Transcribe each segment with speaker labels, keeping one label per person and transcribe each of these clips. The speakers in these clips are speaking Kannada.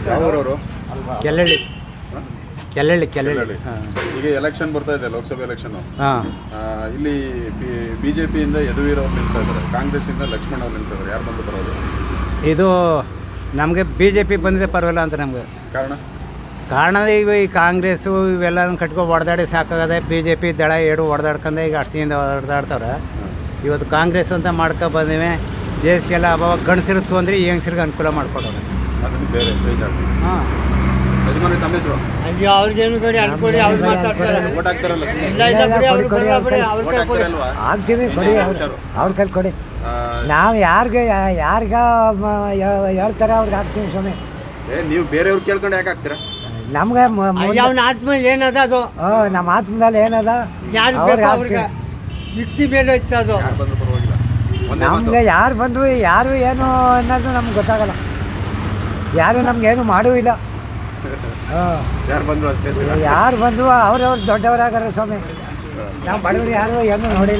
Speaker 1: ಯಾವೂರವರು?
Speaker 2: ಕೆಲ್ಲಳ್ಳಿ ಕೆಲ್ಲಳ್ಳಿ ಕೆಲ್ಲಳ್ಳಿ.
Speaker 1: ಈಗ ಎಲೆಕ್ಷನ್ ಬರ್ತಾ ಇದೆ, ಲೋಕಸಭೆ ಎಲೆಕ್ಷನ್.
Speaker 2: ಹಾಂ,
Speaker 1: ಇಲ್ಲಿ ಬಿಜೆಪಿಯಿಂದ ಯದುವೀರ್ ಅವ್ರು ನಿಲ್ತಾ ಇದ್ದಾರೆ, ಕಾಂಗ್ರೆಸ್ಸಿಂದ ಲಕ್ಷ್ಮಣ್ ಅವ್ರು ನಿಲ್ತಾ ಇದ್ದಾರೆ. ಯಾರು ಬಂದು ಬರೋದು?
Speaker 2: ಇದು ನಮಗೆ ಬಿ ಜೆ ಪಿ ಬಂದರೆ ಪರವಾಗಿಲ್ಲ ಅಂತ ನಮಗೆ. ಕಾರಣ ಈ ಕಾಂಗ್ರೆಸ್ಸು ಇವೆಲ್ಲನೂ ಕಟ್ಕೊಂಡು ಹೊಡೆದಾಡಿ ಸಾಕಾಗದೆ. ಬಿ ಜೆ ಪಿ ದಳ ಏಡು ಹೊಡೆದಾಡ್ಕೊಂಡು ಈಗ ಅಷ್ಟಿಂದ ಹೊಡೆದಾಡ್ತವ್ರೆ. ಇವತ್ತು ಕಾಂಗ್ರೆಸ್ ಅಂತ ಮಾಡ್ಕೊ ಬಂದಿವೆ. ದೇಶಕ್ಕೆಲ್ಲ ಅಭಾವ ಗಂಡಸಿರುತ್ತು ಅಂದರೆ ಈ ಹೆಂಗಸ್ರಿಗೆ ಅನುಕೂಲ ಮಾಡಿಕೊಡೋದು.
Speaker 1: ಅದನ್ನು ಬೇರೆ
Speaker 2: ಹಾಂ,
Speaker 1: ಯಜಮಾನಿ ತಮ್ಮ ಹೆಸರು?
Speaker 2: ಅಯ್ಯೋ ಅವ್ರಿಗೇನು ಕೊಡಿ, ಅಲ್ಲಿ ಕೊಡಿ, ಅವ್ರು ಮಾತಾಡ್ತಾರೆ.
Speaker 1: ಓಟ್ ಹಾಕ್ತಾರಲ್ಲ?
Speaker 3: ಆಗ್ತೀವಿ, ಕೊಡಿ, ಅವ್ರ ಕೈ ಕೊಡಿ. ನಾವು ಯಾರಿಗೆ ಹೇಳ್ತಾರೆ ಅವ್ರಿಗೆ ಹಾಕ್ತೀವಿ ಸ್ವಾಮಿ.
Speaker 1: ನೀವು ಬೇರೆಯವ್ರು ಕೇಳ್ಕೊಂಡು ಯಾಕೆ ಹಾಕ್ತೀರಾ?
Speaker 3: ನಮ್ಗೆ
Speaker 2: ಅವನ ಆತ್ಮ ಏನದ ಅದು,
Speaker 3: ನಮ್ಮ ಆತ್ಮದಲ್ಲಿ ಏನದ ಅವ್ರಿಗೆ ಹಾಕ್ತೀವಿ.
Speaker 2: ಯುಕ್ತಿ ಮೇಲೆ ಇತ್ತು ಅದು.
Speaker 1: ಯಾರು ಬಂದು ಪರವಾಗಿಲ್ಲ.
Speaker 3: ನಮಗೆ ಯಾರು ಬಂದರು ಯಾರು ಏನು ಅನ್ನೋದು ನಮ್ಗೆ ಗೊತ್ತಾಗಲ್ಲ. ಯಾರು ನಮ್ಗೇನು ಮಾಡೂ ಇಲ್ಲ.
Speaker 1: ಯಾರು ಬಂದ್ರು ಅಷ್ಟೇ.
Speaker 3: ಯಾರು ಬಂದರು ಅವ್ರವ್ರು ದೊಡ್ಡವರಾಗಾರ ಸ್ವಾಮಿ. ನಾವು ಬಡವರು ಯಾರು ಏನೂ ನೋಡಿಲ್ಲ.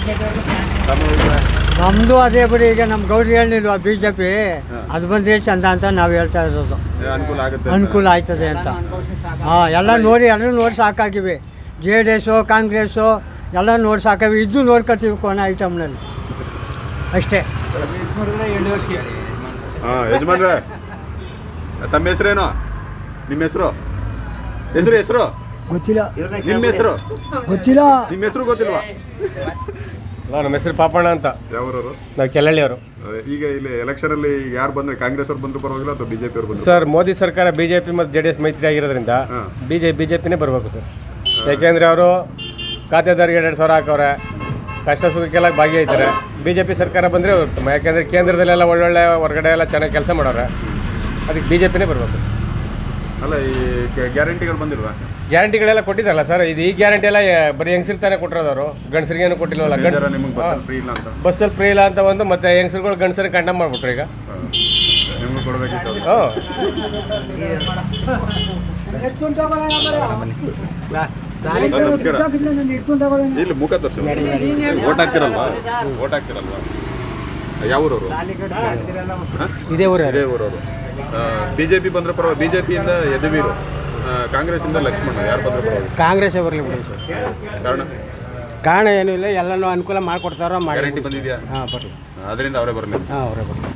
Speaker 2: ನಮ್ಮದು ಅದೇ ಬಿಡಿ. ಈಗ ನಮ್ಮ ಗೌಡ್ರು ಹೇಳಿಲ್ವಾ ಬಿ ಜೆ ಪಿ ಅದು ಬಂದರೆ ಚಂದ ಅಂತ ನಾವು ಹೇಳ್ತಾ ಇರೋದು.
Speaker 1: ಅನುಕೂಲ ಆಗುತ್ತೆ,
Speaker 2: ಅನುಕೂಲ ಆಯ್ತದೆ ಅಂತ. ಹಾಂ, ಎಲ್ಲ ನೋಡಿ ಸಾಕಾಗಿವೆ. ಜೆ ಡಿ ಎಸ್ಸು ಕಾಂಗ್ರೆಸ್ಸು ಎಲ್ಲ ನೋಡಿ ಸಾಕಾಗಿ. ಇದು ನೋಡ್ಕೊತೀವಿ ಕೊನೆ ಐಟಮ್ನಲ್ಲಿ ಅಷ್ಟೇ.
Speaker 1: ಹಾಂ, ಯಜಮಾನ್ರೆ ತಮ್ಮ ಹೆಸರೇನು? ನಿಮ್ಮ ಹೆಸರು
Speaker 3: ಗೊತ್ತಿಲ್ಲ.
Speaker 1: ನಿಮ್ಮ ಹೆಸರು
Speaker 3: ಗೊತ್ತಿಲ್ಲ.
Speaker 1: ನಿಮ್ಮ ಹೆಸರು ಗೊತ್ತಿಲ್ವಾ?
Speaker 4: ನಮ್ಮ ಹೆಸರು ಪಾಪಣ್ಣ ಅಂತ.
Speaker 1: ಯಾವೂರವರು?
Speaker 4: ನಾವು ಕೆಲ್ಲಳ್ಳಿಯವರು.
Speaker 1: ಈಗ ಇಲ್ಲಿ ಎಲೆಕ್ಷನ್ ಅಲ್ಲಿ ಯಾರು ಬಂದ್ರೆ ಕಾಂಗ್ರೆಸ್ ಅವ್ರು ಬಂದ್ರು ಪರವಾಗಿಲ್ಲ ಅಥವಾ ಬಿಜೆಪಿ ಅವ್ರು ಬಂದ್ರು?
Speaker 4: ಸರ್, ಮೋದಿ ಸರ್ಕಾರ ಬಿಜೆಪಿ ಮತ್ತು ಜೆ ಡಿ ಎಸ್ ಮೈತ್ರಿ ಆಗಿರೋದ್ರಿಂದ ಬಿಜೆಪಿನೇ ಬರಬೇಕು ಸರ್. ಯಾಕೆಂದರೆ ಅವರು ಖಾತೆದಾರಿಗೆ 2,000 ಹಾಕವ್ರೆ, ಕಷ್ಟ ಸುಖಕ್ಕೆಲ್ಲ ಭಾಗಿಯಾಯ್ತಾರೆ. ಬಿಜೆಪಿ ಸರ್ಕಾರ ಬಂದರೆ ಉತ್ತಮ. ಯಾಕೆಂದರೆ ಕೇಂದ್ರದಲ್ಲೆಲ್ಲ ಒಳ್ಳೊಳ್ಳೆ ಹೊರಗಡೆ ಎಲ್ಲ ಚೆನ್ನಾಗಿ ಕೆಲಸ ಮಾಡೋರೆ. ಅದಕ್ಕೆ ಬಿಜೆಪಿನೇ ಬರಬೇಕು.
Speaker 1: ಅಲ್ಲ, ಈ ಗ್ಯಾರಂಟಿಗಳು ಬಂದಿಲ್ವಾ?
Speaker 4: ಗ್ಯಾರಂಟಿಗಳೆಲ್ಲ ಕೊಟ್ಟಿದ್ದಾರಲ್ಲ ಸರ್. ಇದು ಈ ಗ್ಯಾರಂಟಿ ಎಲ್ಲ ಬರೀ ಹೆಂಗಸರ್ತಾನೆ ಕೊಟ್ಟಿರೋದವರು, ಗಂಡಸರಿಗೇನು ಕೊಟ್ಟಿಲ್ವಲ್ಲ.
Speaker 1: ನಿಮಗೆ ಬಸ್ಸಲ್ಲಿ ಫ್ರೀ ಇಲ್ಲ ಅಂತ?
Speaker 4: ಬಸ್ಸಲ್ಲಿ ಫ್ರೀ ಇಲ್ಲ ಅಂತ ಒಂದು, ಮತ್ತೆ ಹೆಂಗಸರುಗಳು ಗಂಡಸರಿಗೆ ಕಂಡಮ್ ಮಾಡಿಬಿಟ್ರು. ಈಗ
Speaker 1: ನಿಮ್ಗೆ ಕೊಡಬೇಕಿತ್ತು. ಇಲ್ಲಿ ಮುಖ ತೋರಿಸಿ. ಓಟ್ ಹಾಕ್ತಿರಲ್ವಾ? ಯಾವೂರವರು?
Speaker 2: ಇದೇ ಊರು.
Speaker 1: ಇದೇ ಊರವರು. ಬಿಜೆಪಿ ಬಂದ್ರೆ ಪರವಾಗಿ. ಬಿಜೆಪಿಯಿಂದ ಯದುವೀರ್, ಕಾಂಗ್ರೆಸ್ಸಿಂದ ಲಕ್ಷ್ಮಣ್. ಯಾರು ಬಂದ್ರೆ ಪರವಾಗಿ?
Speaker 2: ಕಾಂಗ್ರೆಸ್ಸೇ ಬರಲಿ ಬಿಡಿ ಸರ್. ಕಾರಣ ಏನೂ ಇಲ್ಲ, ಎಲ್ಲನೂ ಅನುಕೂಲ ಮಾಡಿಕೊಡ್ತಾರೋ.
Speaker 1: ಗ್ಯಾರಂಟಿ ಬಂದಿದೆಯಾ?
Speaker 2: ಹಾಂ, ಬರಲಿ.
Speaker 1: ಅದರಿಂದ ಅವರೇ ಬರಲಿ.
Speaker 2: ಹಾಂ, ಅವರೇ ಬರಲಿ.